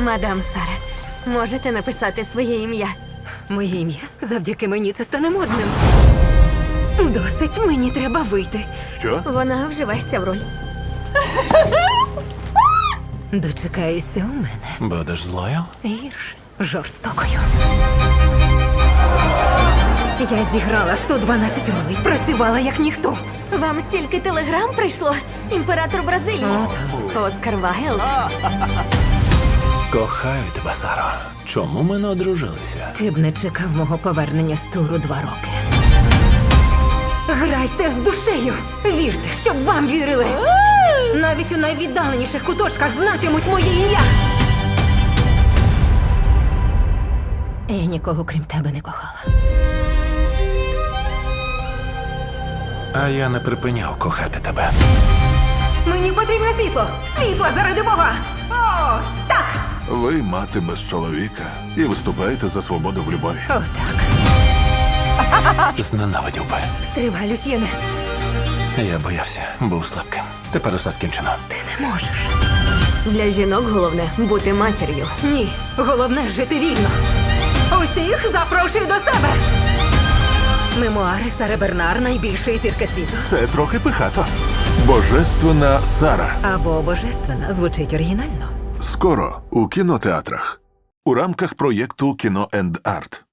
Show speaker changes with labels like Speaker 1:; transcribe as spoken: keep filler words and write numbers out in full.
Speaker 1: Мадам Сара, можете написати своє ім'я?
Speaker 2: Моє ім'я завдяки мені це стане модним. Досить, мені треба вийти.
Speaker 3: Що?
Speaker 1: Вона вживається в роль.
Speaker 2: Дочекаєшся у мене.
Speaker 3: Будеш злою?
Speaker 2: Гірше, жорстокою. Я зіграла сто дванадцять ролей, працювала як ніхто.
Speaker 1: Вам стільки телеграм прийшло? Імператор Бразилії. Оскар Вайлд.
Speaker 3: Кохаю тебе, Саро. Чому ми не одружилися?
Speaker 2: Ти б не чекав мого повернення з туру два роки. Грайте з душею! Вірте, щоб вам вірили! Навіть у найвіддаленіших куточках знатимуть моє ім'я! Я нікого, крім тебе, не кохала.
Speaker 3: А я не припиняв кохати тебе.
Speaker 2: Мені потрібне світло! Світло заради Бога! Ось так!
Speaker 4: Ви мати без чоловіка і виступаєте за свободу в любові.
Speaker 2: Отак.
Speaker 3: Зненавидів би.
Speaker 2: Стривай, Люсьєне.
Speaker 3: Я боявся, був слабким. Тепер усе скінчено.
Speaker 2: Ти не можеш.
Speaker 1: Для жінок головне бути матір'ю.
Speaker 2: Ні, головне жити вільно. Усіх запрошую до себе. Мемуари Сари Бернар, найбільшої зірки світу.
Speaker 4: Це трохи пихато. Божественна Сара.
Speaker 2: Або божественна звучить оригінально.
Speaker 4: Скоро у кінотеатрах. У рамках проєкту «Кіно енд Арт».